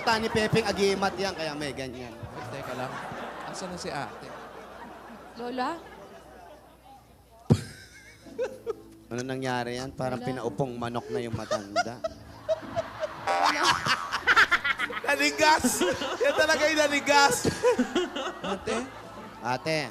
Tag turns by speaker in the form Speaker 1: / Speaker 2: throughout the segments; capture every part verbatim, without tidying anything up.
Speaker 1: halata ni Pepeng Agimat yan, kaya may ganyan.
Speaker 2: Teka lang. Asan na si ate?
Speaker 3: Lola?
Speaker 1: Ano nangyari yan? Parang pinaupong manok na yung matanda.
Speaker 4: Nanigas! Yan talaga yung nanigas.
Speaker 2: Ate?
Speaker 1: Ate,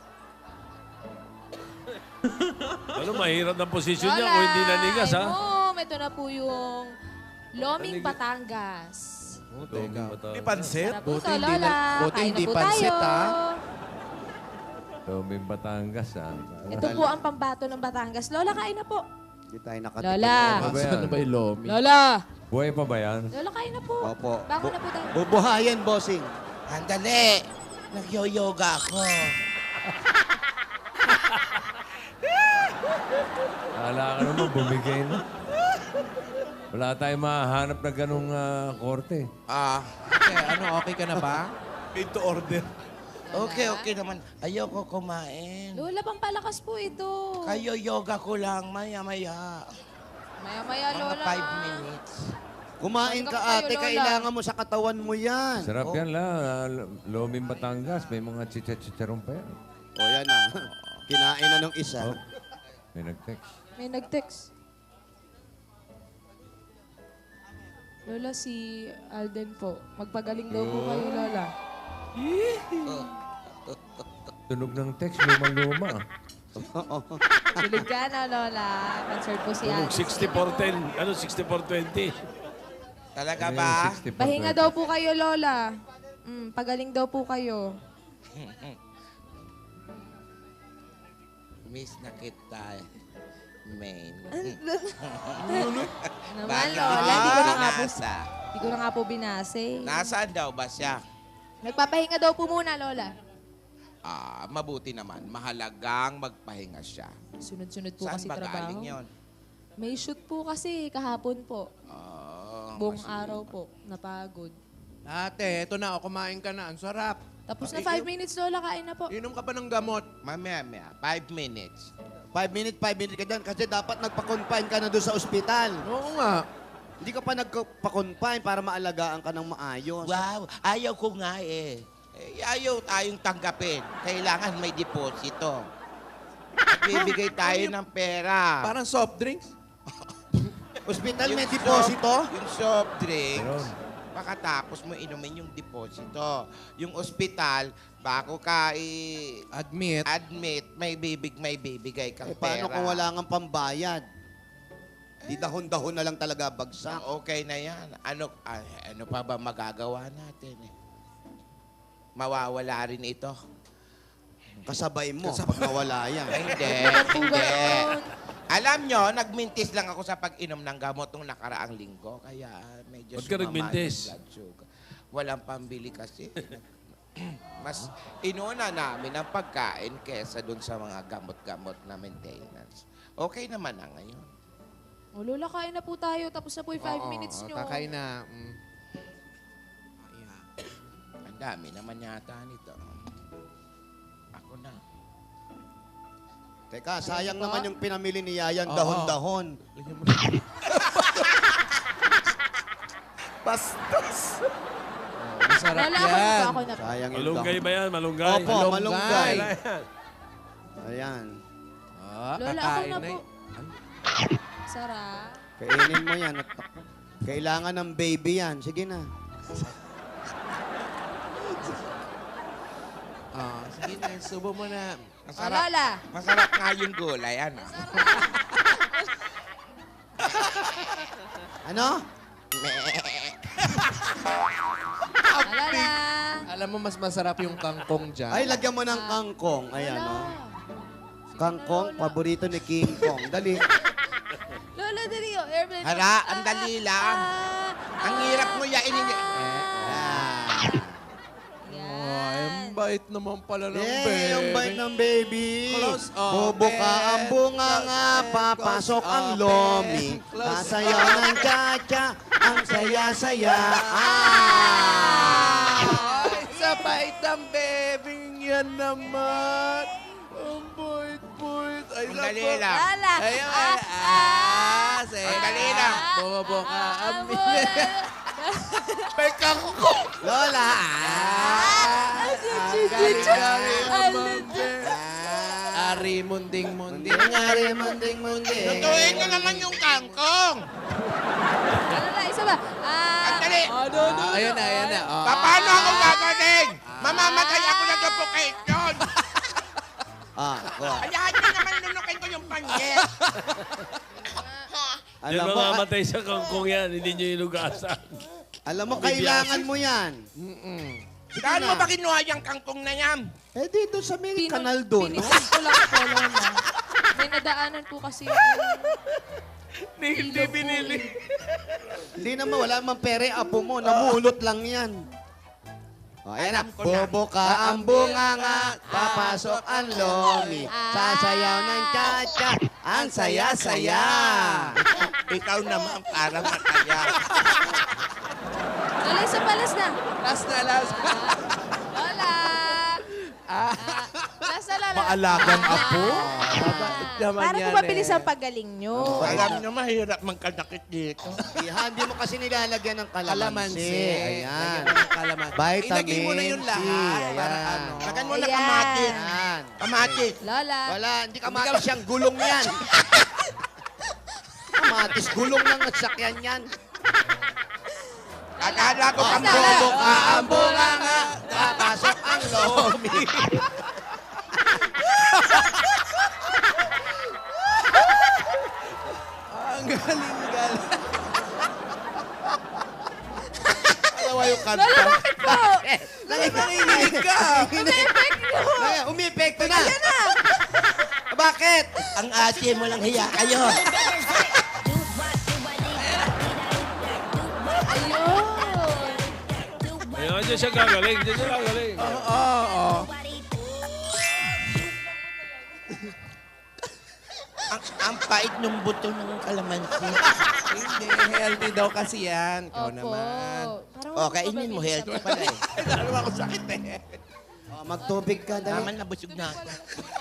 Speaker 5: Ano, mahirap ng posisyon niya
Speaker 3: Lola!
Speaker 5: kung hindi nanigas, ha?
Speaker 3: Mom, ito na po yung Loming
Speaker 5: Nanigas.
Speaker 3: Batangas.
Speaker 5: Oh,
Speaker 2: Teka.
Speaker 4: Di pansit?
Speaker 3: Sarap po
Speaker 2: Buti
Speaker 3: to,
Speaker 2: hindi
Speaker 3: Lola.
Speaker 2: na- buti
Speaker 3: Kain
Speaker 2: hindi
Speaker 3: na po
Speaker 2: pansit,
Speaker 3: tayo.
Speaker 2: ha?
Speaker 5: Loming Batangas, ha?
Speaker 3: Ito po ang pambato ng Batangas. Lola, kain na po.
Speaker 1: hindi tayo nakatikim.
Speaker 3: Lola.
Speaker 5: Ano ba yan?
Speaker 2: Asan na ba yung lomi?
Speaker 3: Lola!
Speaker 5: Buhay pa ba yan?
Speaker 3: Lola, kain na po.
Speaker 1: Opo.
Speaker 3: Bako na po tayo.
Speaker 1: Bubuhayan, bossing.
Speaker 4: Andali. Nagyo-yoga ako.
Speaker 5: Akala ka naman, bumigay na. Wala tayong mahanap na ganong ah, korte.
Speaker 4: Ah,
Speaker 2: Ate, ano, okay ka na ba?
Speaker 4: made to order. Okay, okay naman. Ayoko kumain.
Speaker 3: Lola, pampalakas po ito.
Speaker 4: Kayo yoga ko lang, maya-maya.
Speaker 3: Maya-maya,
Speaker 4: Mga
Speaker 3: Lola.
Speaker 4: five minutes.
Speaker 1: Kumain
Speaker 3: Welcome
Speaker 1: ka,
Speaker 3: kayo,
Speaker 1: ate.
Speaker 3: Lola.
Speaker 1: Kailangan mo sa katawan mo yan.
Speaker 5: Sarap yan la. ah, Loming Batangas. May mga chicha-chicharon pa yan.
Speaker 1: O yan na. Kinain na nung isa.
Speaker 5: Oh, may nag-text.
Speaker 3: May nag-text. Lola, si Alden po. Magpagaling daw po kayo, Lola.
Speaker 5: Tunog ng text, luma-luma.
Speaker 3: Tulog ka na, Lola. Concert po si
Speaker 5: Tunog
Speaker 3: Alden.
Speaker 5: sixty-four ten. Ano, sixty-four twenty?
Speaker 4: Talaga
Speaker 5: Ano
Speaker 4: ba?
Speaker 5: yung sixty-four
Speaker 3: Pahinga
Speaker 5: twenty?
Speaker 3: daw po kayo, Lola. Mm, pagaling daw po kayo.
Speaker 4: Miss na kita, main.
Speaker 3: Naman,
Speaker 4: Bakit
Speaker 3: Lola.
Speaker 4: hindi
Speaker 3: Hindi ko na nga po,
Speaker 4: binasa?
Speaker 3: hindi ko na nga po binase.
Speaker 4: Nasaan daw ba siya?
Speaker 3: Nagpapahinga daw po muna, Lola.
Speaker 4: Ah, mabuti naman. Mahalagang magpahinga siya.
Speaker 3: Sunod-sunod po
Speaker 4: Saan
Speaker 3: kasi
Speaker 4: ba galing
Speaker 3: trabaho.
Speaker 4: yun?
Speaker 3: May shoot po kasi kahapon po.
Speaker 4: Ah,
Speaker 3: Buong
Speaker 4: mas-
Speaker 3: araw po. Napagod.
Speaker 2: Ate, eto na, o, kumain ka na. Ang sarap.
Speaker 3: Tapos na
Speaker 2: Eh,
Speaker 3: five
Speaker 2: eh,
Speaker 3: minutes, Lola. Kain na po.
Speaker 2: Inom ka pa ng gamot.
Speaker 4: Mamaya, mamaya. Five minutes.
Speaker 1: Five minutes, five minutes ka dyan. Kasi dapat nagpa-confine ka na doon sa ospital.
Speaker 2: Oo nga.
Speaker 1: Hindi ka pa nagpa-confine para maalagaan ka ng maayos.
Speaker 4: Wow, ayaw ko nga eh. eh ayaw tayong tanggapin. Kailangan may deposito. Magbibigay tayo ng pera.
Speaker 2: Parang soft drinks.
Speaker 1: Ospital may
Speaker 4: Yung
Speaker 1: deposito?
Speaker 4: soft- Yung soft drinks,
Speaker 5: Meron.
Speaker 4: pakatapos mo inumin yung deposito. Yung ospital, bago ka i-admit,
Speaker 2: Admit.
Speaker 4: may bibig, may bibigay kang
Speaker 1: Eh, paano
Speaker 4: pera.
Speaker 1: kung wala kang pambayad? Di dahon-dahon na lang talaga bagsak.
Speaker 4: Ah, okay na yan. Ano, ah, ano pa ba magagawa natin eh? Mawawala rin ito.
Speaker 1: Kasabay mo pag nawala yan.
Speaker 4: Ay, hindi,
Speaker 3: po
Speaker 4: hindi.
Speaker 3: ganon.
Speaker 4: Alam nyo, nagmintis lang ako sa pag-inom ng gamot nung nakaraang linggo. Kaya medyo
Speaker 5: Ba't ka
Speaker 4: sumama
Speaker 5: nagmintis?
Speaker 4: yung blood sugar. Walang pambili kasi. Mas inuna namin ang pagkain kesa dun sa mga gamot-gamot na maintenance. Okay naman na ngayon.
Speaker 3: O, Lola, kain na po tayo. Tapos na po yung five
Speaker 2: Oo,
Speaker 3: minutes nyo.
Speaker 2: Kakain na. Mm. Ayan.
Speaker 4: Ang dami naman yata nito. Ako na.
Speaker 1: Teka, sayang
Speaker 3: Ano po?
Speaker 1: naman yung pinamili ni Yayan
Speaker 2: Oo.
Speaker 1: dahon-dahon.
Speaker 4: Bastos!
Speaker 2: Masarap
Speaker 3: Lola, ako na
Speaker 2: yan.
Speaker 3: po. Ako na po.
Speaker 1: Sayang yung
Speaker 5: Malunggay
Speaker 1: dahon.
Speaker 5: ba yan? Malunggay?
Speaker 1: Opo,
Speaker 2: Malunggay.
Speaker 1: malunggay. Ayan.
Speaker 2: Ah,
Speaker 3: Lola, ako
Speaker 2: kakain
Speaker 3: na
Speaker 2: na.
Speaker 3: po.
Speaker 2: y-
Speaker 3: Sarap.
Speaker 1: Kainin mo yan. At kailangan ng baby yan. Sige na.
Speaker 2: Ah, sige na, subo mo na.
Speaker 3: O,
Speaker 4: Masarap,
Speaker 3: Lola.
Speaker 4: masarap nga yung gulay, ano?
Speaker 1: Ano?
Speaker 3: O, Lola.
Speaker 2: Alam mo, mas masarap yung kangkong dyan.
Speaker 1: Ay, lagyan mo ng kangkong. Ayan,
Speaker 3: Lola.
Speaker 1: oh.
Speaker 3: Sige
Speaker 1: Kangkong,
Speaker 3: na, Lola.
Speaker 1: paborito ni King Kong. Dali.
Speaker 3: Lola, dali. O, airplane.
Speaker 4: Hala, ang dali lang.
Speaker 3: Ah,
Speaker 4: Ang hirap mo yainin.
Speaker 1: Yan.
Speaker 2: Ay, ang bait naman pala ng
Speaker 1: Eh,
Speaker 2: baby.
Speaker 1: yung bite ng baby.
Speaker 2: Close
Speaker 1: Bubuka
Speaker 2: open.
Speaker 1: ang bunga nga, papasok
Speaker 2: Close
Speaker 1: ang
Speaker 2: open.
Speaker 1: lomi.
Speaker 2: Close
Speaker 1: Sasayaw ng cha-cha, ang saya-saya. Ah!
Speaker 2: Ay, sa bait ng baby yan naman. Ang bait-bait. Ay,
Speaker 4: Ang
Speaker 2: sa
Speaker 4: dali
Speaker 2: ba-
Speaker 4: lang.
Speaker 3: Lola.
Speaker 2: Ay, ay,
Speaker 3: Ah,
Speaker 2: ah, sige.
Speaker 4: Ang dali lang.
Speaker 2: Bumabuka ang
Speaker 3: ah,
Speaker 2: May kangkong munding,
Speaker 1: Hindi
Speaker 2: munding.
Speaker 1: nangyari, munding, munding.
Speaker 4: Lutuin na naman yung kangkong.
Speaker 3: Ano na, isa ba? Ah,
Speaker 4: Andali.
Speaker 3: ano, ano,
Speaker 2: Ah, ayun na, ayun na. Oh.
Speaker 4: Pa- Paano ako gagaling? Mamamatay ako na suffocation.
Speaker 1: Ah, go.
Speaker 4: Ayahan niyo naman lunukin ko yung pangyet.
Speaker 5: Diyan
Speaker 1: Alam mo,
Speaker 5: mamamatay sa kangkong yan, hindi nyo inugasan.
Speaker 1: alam mo, kailangan mo yan.
Speaker 4: Saan mo ba kinuha yung kangkong na yan?
Speaker 1: Eh, dito sa may
Speaker 3: Pino-
Speaker 1: kanal doon. no?
Speaker 3: Pinitin ko lang po, Lola. May nadaanan po kasi yung...
Speaker 5: Hindi binili.
Speaker 1: Hindi naman, wala mang pere, apo mo. Namulot lang yan. O, ayan na.
Speaker 4: Alam ko na.
Speaker 1: Bobo ka ang bunganga, papasok ang lomi. Sasayaw ng cha-cha, ang saya-saya.
Speaker 4: Ikaw naman parang mataya.
Speaker 3: Lola, isa palas na.
Speaker 2: Last na, last.
Speaker 3: Lola! Ah, last na, Lola.
Speaker 2: Maalagang apo? Naman
Speaker 6: Para
Speaker 2: yan
Speaker 6: po mabilis
Speaker 2: eh.
Speaker 6: ang pagaling nyo.
Speaker 4: Alam nyo, mahirap magkadakit dito.
Speaker 1: Iha, hindi mo kasi nilalagyan ng kalamansi.
Speaker 2: Kalamansi.
Speaker 1: Ayan.
Speaker 2: Lagyan mo ng kalamansi.
Speaker 1: Vitamin
Speaker 2: Ilagay mo na yung
Speaker 1: C.
Speaker 2: lahat. Para
Speaker 1: Ayan.
Speaker 2: ano.
Speaker 4: Lagan mo na
Speaker 6: Ayan.
Speaker 4: kamatis.
Speaker 1: Ayan.
Speaker 4: Kamatis.
Speaker 3: Lola.
Speaker 1: Wala, hindi kamatis siyang gulong yan. Kamatis, gulong lang at sakyan yan.
Speaker 4: Akala ko
Speaker 1: Ang
Speaker 4: kamatis.
Speaker 1: bobo ka, ang bunganga, papasok ang lomi.
Speaker 2: Ang galing-galing. Alawa yung kanta.
Speaker 3: Lola, bakit po?
Speaker 1: Nanginig ka. Nanginig. Umipekto na. Ayan na. Bakit?
Speaker 4: Ang ate mo lang hiya kayo.
Speaker 3: Ayun.
Speaker 5: Ayun, dyan siya gagaling, dyan siya gagaling.
Speaker 2: Oo, oo.
Speaker 4: ang, ang pait ng buto ng kalamansi.
Speaker 2: Hindi, healthy daw kasi yan. Ikaw
Speaker 3: Opo.
Speaker 2: naman.
Speaker 3: Parang
Speaker 4: O, kainin mo, healthy pala eh.
Speaker 2: Lalo ako sakit eh.
Speaker 1: Oh, magtubig ka, dali.
Speaker 4: Naman nabusog na ako.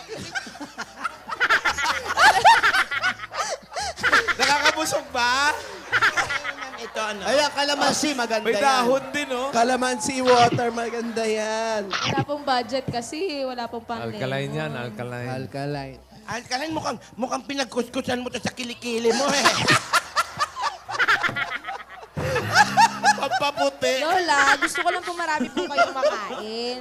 Speaker 2: Nakakabusog ba?
Speaker 4: Ito ano?
Speaker 1: Ayan, kalamansi, maganda
Speaker 5: May
Speaker 1: yan.
Speaker 5: dahon din, oh.
Speaker 2: Calamansi water, maganda yan.
Speaker 3: Wala pong budget kasi. Wala pong pang
Speaker 5: Alkaline yan, alkaline.
Speaker 2: Alkaline.
Speaker 4: Alkalan, mukhang, mukhang pinagkuskusan mo to sa kilikili mo eh.
Speaker 2: Pampaputi.
Speaker 6: Lola, gusto ko lang po marami po kayong makain.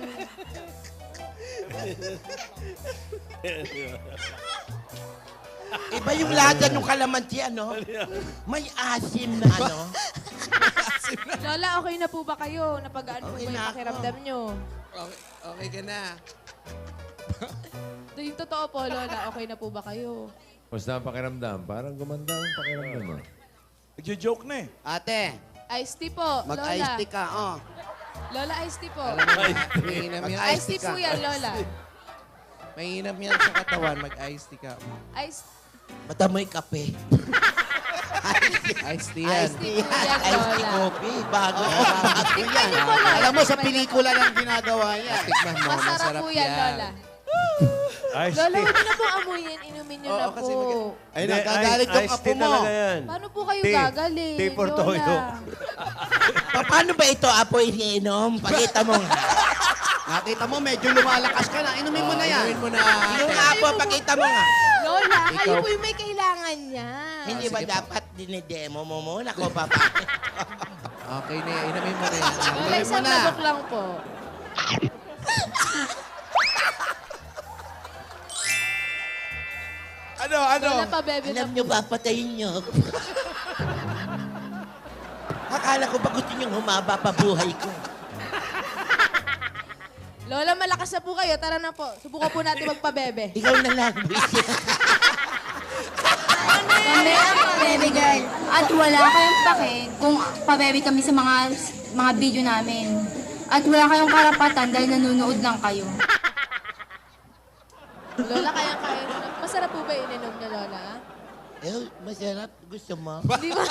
Speaker 4: Iba yung lasa ng kalamansi, ano? May asim na ano.
Speaker 3: Lola, okay na po ba kayo? Napagaan po
Speaker 4: Okay
Speaker 3: ba
Speaker 4: na
Speaker 3: yung
Speaker 4: ako.
Speaker 3: pakiramdam nyo?
Speaker 2: Okay, okay ka na.
Speaker 3: Do, yung totoo po, Lola, okay na po ba kayo?
Speaker 5: Basta ang pakiramdam, parang gumanda ang pakiramdam mo.
Speaker 7: Nagjo-joke na eh.
Speaker 1: Ate,
Speaker 3: Iced tea po,
Speaker 1: mag-ice
Speaker 3: Lola.
Speaker 1: tea ka, oh.
Speaker 3: Lola, iced tea po.
Speaker 2: Mainam yan.
Speaker 1: Mag-ice
Speaker 3: Iced tea
Speaker 1: tea
Speaker 3: po
Speaker 1: ka.
Speaker 3: yan, Lola.
Speaker 2: Mainam yan sa katawan. Mag-ice tea ka.
Speaker 3: Iced,
Speaker 4: Bata mo'y kape.
Speaker 2: Ice tea yan.
Speaker 3: iced tea po yan,
Speaker 4: Ice tea
Speaker 3: Lola.
Speaker 4: coffee. Bago.
Speaker 3: Tikman niyo po, Lola.
Speaker 1: Alam mo, sa
Speaker 3: Tikman niyo.
Speaker 1: pelikula lang ginagawa yan.
Speaker 2: Tikman mo.
Speaker 3: Masarap
Speaker 2: Masarap
Speaker 3: po yan, Lola.
Speaker 7: Ice
Speaker 3: Lola,
Speaker 7: tea.
Speaker 3: huwag niyo na po amuyin. Inumin niyo
Speaker 2: Oo,
Speaker 3: na
Speaker 2: kasi
Speaker 3: po.
Speaker 2: mag-
Speaker 1: Ay,
Speaker 7: Hindi,
Speaker 1: nagagalit
Speaker 7: ice-
Speaker 1: yung
Speaker 7: ice
Speaker 1: apo
Speaker 7: tea
Speaker 1: mo.
Speaker 7: talaga yan.
Speaker 3: Paano po kayo
Speaker 7: Tea.
Speaker 3: gagaling,
Speaker 7: Tea for
Speaker 3: Lola?
Speaker 7: toyo.
Speaker 4: Pa- Paano ba ito, apo, iniinom? Pakita mo nga.
Speaker 1: Nakita mo, medyo lumalakas ka na. Inumin mo na yan.
Speaker 2: Inumin mo na.
Speaker 4: Yung apo, pakita mo nga.
Speaker 3: Lola, kayo
Speaker 2: Ikaw-
Speaker 3: po yung may kailangan niya.
Speaker 4: Hindi ba
Speaker 2: sige po.
Speaker 4: dapat dinidemo mo muna ko, papa?
Speaker 2: Okay na yan. Inumin mo na yan.
Speaker 3: Lola, isang
Speaker 1: na.
Speaker 3: labok lang po.
Speaker 7: Ano, ano?
Speaker 3: Lola, pabebe na
Speaker 4: Alam
Speaker 3: po.
Speaker 4: niyo ba, patayin niyo. Akala ko ba gusto niyong humaba pa buhay ko?
Speaker 3: Lola, malakas na po kayo. Tara na po. Subukan po natin magpabebe.
Speaker 4: Ikaw na lang, buisit.
Speaker 8: Kami ang baby girl. At wala kayong pake kung pabebe kami sa mga mga video namin. At wala kayong karapatan dahil nanonood lang kayo.
Speaker 3: Lola, kaya-kaya mo na. Masarap po ba yung ininom niyo, Lola?
Speaker 4: Eh, masarap. Gusto mo?
Speaker 3: Hindi ba?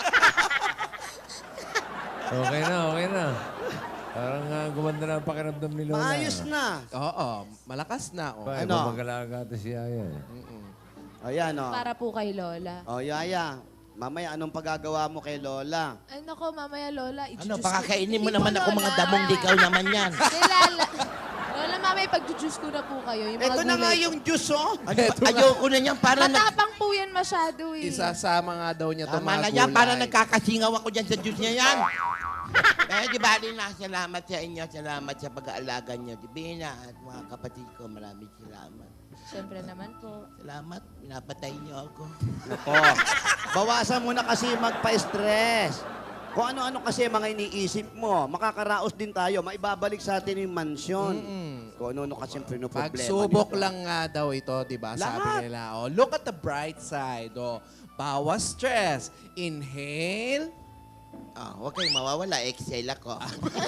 Speaker 5: Okay na, okay na. Parang uh, gumanda na ang pakiramdam ni Lola.
Speaker 1: Maayos na.
Speaker 2: Oo, malakas na. Oh.
Speaker 5: Ba,
Speaker 1: Ano?
Speaker 5: ano? Magalaga ito si Yaya. eh.
Speaker 1: O yan, oh.
Speaker 3: Para po kay Lola.
Speaker 1: O, Yaya. Mamaya, anong pagagawa mo kay Lola?
Speaker 3: Ay, nako, mamaya, Lola.
Speaker 4: Ano,
Speaker 3: i-juice
Speaker 4: pakakainin mo
Speaker 3: Hindi
Speaker 4: naman
Speaker 3: po,
Speaker 4: ako mga
Speaker 3: Lola.
Speaker 4: damong ligaw naman yan.
Speaker 3: Hindi, Lala. Lola, mamaya may pag-juice ko na po kayo. Yung mga
Speaker 1: Ito na nga
Speaker 3: gulay.
Speaker 1: yung juice, oh.
Speaker 4: Ano, ayoko na niyan para nag...
Speaker 6: Matapang po yan masyado eh.
Speaker 2: Isasama nga daw niya itong
Speaker 4: Tama
Speaker 2: mga
Speaker 4: na
Speaker 2: gulay.
Speaker 4: yan, para nagkakasingaw ako dyan sa juice niya yan. Eh, di ba rin na, salamat sa inyo, salamat sa pag-aalaga niyo. Di Bina at mga kapatid ko, maraming salamat.
Speaker 6: Siyempre naman po.
Speaker 4: Salamat, pinapatay niyo ako.
Speaker 1: Nako. Bawasan mo na kasi magpa-stress. Kung ano-ano kasi mga iniisip mo, makakaraos din tayo, maibabalik sa atin yung mansyon. Kung ano-ano kasi yung pinoproblema.
Speaker 2: Pagsubok
Speaker 1: nito.
Speaker 2: lang nga daw ito, di ba? Sabi
Speaker 1: Lahat.
Speaker 2: nila, oh, look at the bright side. Oh, bawas stress. Inhale.
Speaker 4: Ah, huwag kayong mawawala, exhale ako.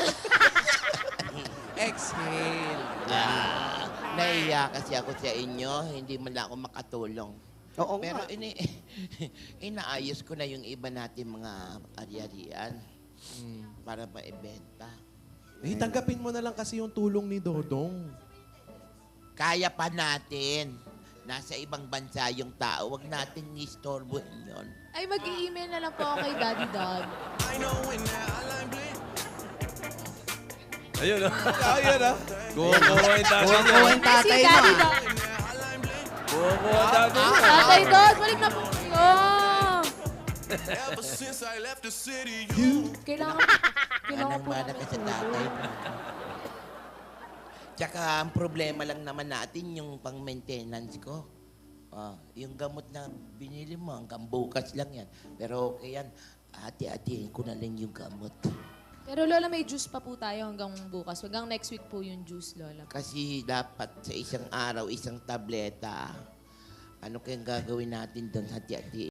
Speaker 2: Exhale.
Speaker 4: Ah, naiya kasi ako sa inyo, hindi man lang ako makatulong.
Speaker 1: Oo
Speaker 4: Pero
Speaker 1: nga.
Speaker 4: ini inaayos ko na yung iba natin mga ari-arian para maibenta.
Speaker 2: Eh, tanggapin mo na lang kasi yung tulong ni Dodong.
Speaker 4: Kaya pa natin. Nasa ibang bansa yung tao, wag natin nistorbohin yun.
Speaker 3: Ay, mag-i-email na lang po ako kay Daddy Dog.
Speaker 5: Ayun, oh.
Speaker 7: Ayun ah.
Speaker 5: Kukuha yung tatay
Speaker 1: Kuha
Speaker 5: niya.
Speaker 1: ko yung tatay
Speaker 3: si
Speaker 1: mo,
Speaker 3: Daddy
Speaker 1: ah.
Speaker 3: Dog.
Speaker 5: Kukuha yung tatay niya.
Speaker 3: Tatay Dog, balik na po. Oh! Kailangan, kailangan
Speaker 4: Anong
Speaker 3: po
Speaker 4: mana ka sa tatay mo? Tsaka ang problema lang naman natin yung pang-maintenance ko. Ah, yung gamot na binili mo, hanggang bukas lang yan. Pero okay yan, hati-hatiin ko na lang yung gamot.
Speaker 3: Pero Lola, may juice pa po tayo hanggang bukas. Hanggang next week po yung juice, Lola.
Speaker 4: Kasi dapat sa isang araw, isang tableta. Ano kayang gagawin natin doon, hati-hatiin?